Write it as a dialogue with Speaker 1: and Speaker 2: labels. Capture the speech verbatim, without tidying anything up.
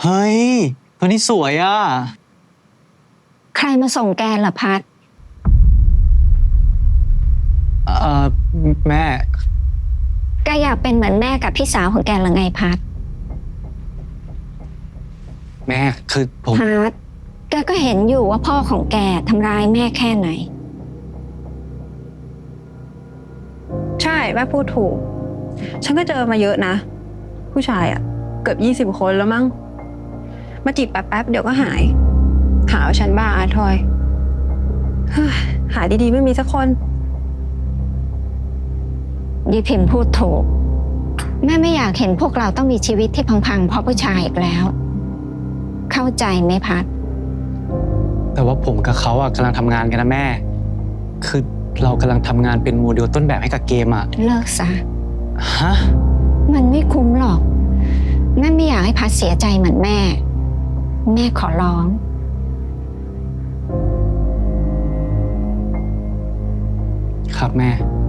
Speaker 1: เฮ้ยตัวนี้สวยอ่ะ
Speaker 2: ใครมาส่งแกล่ะพัด
Speaker 1: เอ่อแม่
Speaker 2: แกอยากเป็นเหมือนแม่กับพี่สาวของแกหรือไงพัด
Speaker 1: แม่คือผม
Speaker 2: พัดแกก็เห็นอยู่ว่าพ่อของแกทำร้ายแม่แค่ไหน
Speaker 3: ใช่แม่พูดถูกฉันก็เจอมาเยอะนะผู้ชายอะเกือบยี่สิบคนแล้วมั้งมาจีบแป๊บๆเดี๋ยวก็หายหาว่าฉันบ้าอาทอยหาดีๆไม่มีสักคน
Speaker 2: ยีพิมพ์พูดถูกแม่ไม่อยากเห็นพวกเราต้องมีชีวิตที่พังๆเพราะผู้ชายอีกแล้วเข้าใจไหมพัด
Speaker 1: แต่ว่าผมกับเขาอ่ะกำลังทำงานกันนะแม่คือเรากำลังทำงานเป็นโมเดลต้นแบบให้กับเกมอ่ะ
Speaker 2: เลิกซะ
Speaker 1: ฮะ
Speaker 2: มันไม่คุ้มหรอกแม่ไม่อยากให้พัดเสียใจเหมือนแม่แม่ขอร้อง
Speaker 1: ครับแม่